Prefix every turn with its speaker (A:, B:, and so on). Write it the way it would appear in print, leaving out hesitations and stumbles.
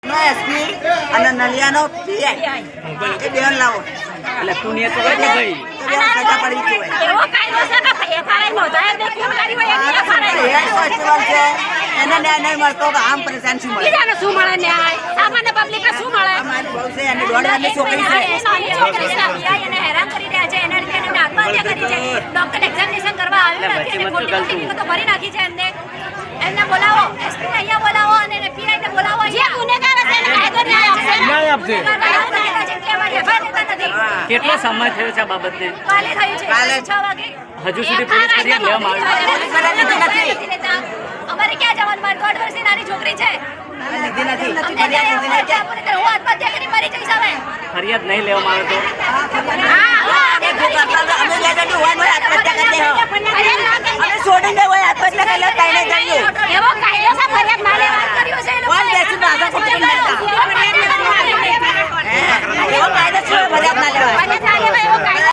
A: કોર્ટનો SP અને નલિયાનો PI એ બેન લાવો
B: એટલે તું ને તો ભાઈ
A: સજા પડવી જોઈએ.
C: એવો કાયદો છે કે એફઆરઆઈ નોંધાય જ કેમ કરી હોય એની એફઆરઆઈ
A: હેડ કોન્સ્ટેબલ છે એને ન્યાય નહીં મળતો તો આમ પરેશાન શું મળે?
C: બીજાને શું મળે ન્યાય સામાન્ય પબ્લિકને શું મળે
A: અમારી બહુ છે એની દોઢ વર્ષની છોકરી છે.
C: નાની છોકરી છે પીઆઈ એને હેરાન કરી રહ્યા છે એના લીધે એને આત્મહત્યા કરી છે ડોક્ટર એક્ઝામિનેશન કરવા આવ્યો નથી અને ખોટી ખોટી વિગતો ભરી નાખી છે એમને બોલાવો એસપી અહીંયા બોલાવો અને પીઆઈ ને બોલાવો જે ગુનેગાર હશે એને કાયદો ન્યાય આપશે
B: કેટલો સમય થયો છે આ બાબતે?
C: કાલે થયું છે
A: કાલે
C: 6 વાગે
B: હજુ સુધી પોલીસ ફરિયાદ લેવામાં આવી
C: અમારે ક્યાં જવાનું? મારી 1.5 વર્ષની નાની છોકરી છે
A: લીધી નથી.
C: અમને ન્યાય આપો. હું આત્મહત્યા કરી મરી જઈશ હવે.
B: ફરિયાદ નહીં લેવામાં આવે
A: અમે લેજેન્ડ હોય ને આત્મહત્યા કરી દે અમે છોડીને હોય આત્મહત્યા કરી લે કઈ નહીં કરીએ
C: એવો કાયદો છે ફરિયાદ ના લેવા કર્યો છે એ
A: કોણ
C: લોકોએ.
A: બેસી રાજા કોણ